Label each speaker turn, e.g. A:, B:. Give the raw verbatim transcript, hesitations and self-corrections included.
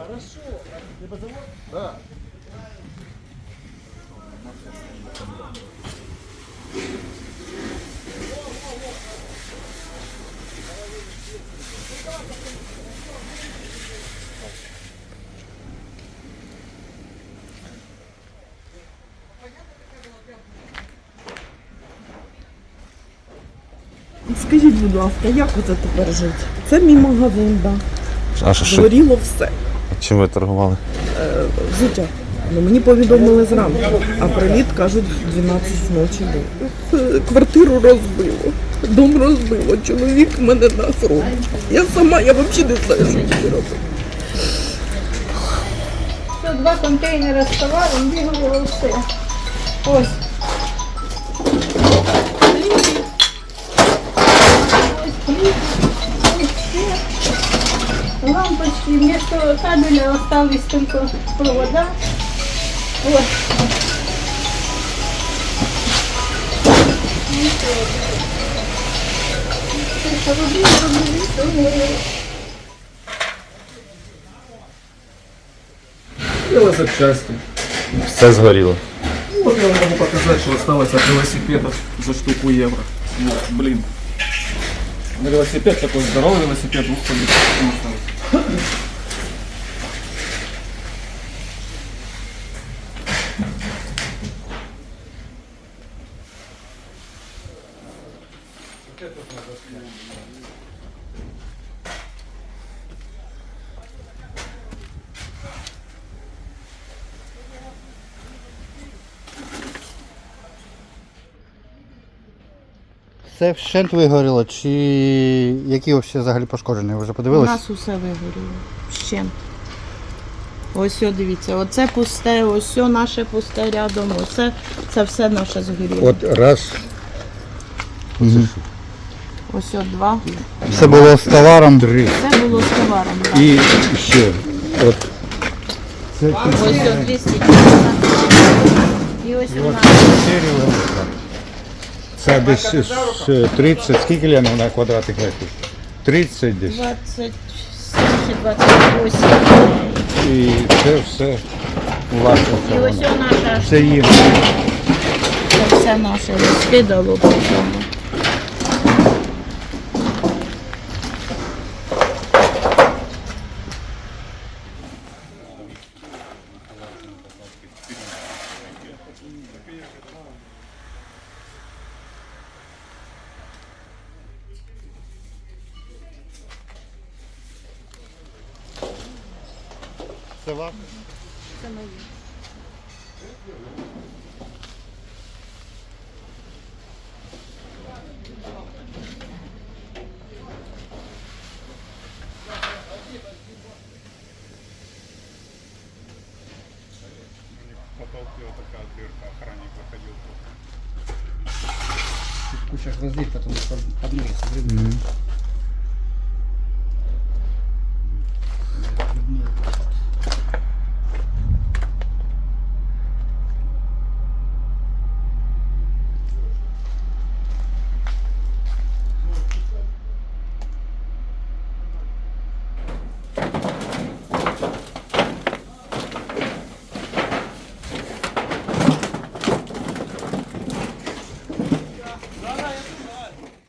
A: Да.
B: Скажіть, будь ласка, як оце тепер жити? Це мій магазин, да.
C: А що, що?
B: Згоріло все.
C: Чим ви торгували?
B: Е, взуття. Ну, мені повідомили зранку, а приліт, кажуть, в дванадцять ночі був. Е, Квартиру розбило, дом розбило, чоловік в мене на фронті. Я сама, я взагалі не знаю, що мені робити.
D: Тут два контейнери з товаром, бігало все. Ось. Ось хліб, ось ще. Лампочки, вместо кабеля остались только провода. Вот.
A: Велосипчасти.
C: Все згоріло.
A: Вот я вам могу показать, что осталось от велосипедов за штуку евро. Вот, блин. На велосипед такой здоровый велосипед, двух ходит.
E: Це вщент вигоріло, чи які взагалі пошкоджені? Ви вже
B: У
E: подивилися?
B: нас усе вигоріло. Ще. Ось, о, дивіться, оце пусте, ось о, наше пусте рядом, оце, це все наше згоріло.
E: От раз.
B: Ось о, два.
E: Все було з товаром. Три.
B: Це було з товаром, так.
E: І ще. От.
B: Ось о, двісті. І ось у нас.
E: Це десь з тридцять, скільки Лена на квадратних метрів? тридцять десь.
B: двадцять сім чи двадцять вісім.
E: І це все власне.
B: І ось о, наша.
E: Це їм.
B: Це все наше розкидало по цьому.
E: Це ваше?
B: Це моє.
F: Куча гвоздей, потом под ноги со временем.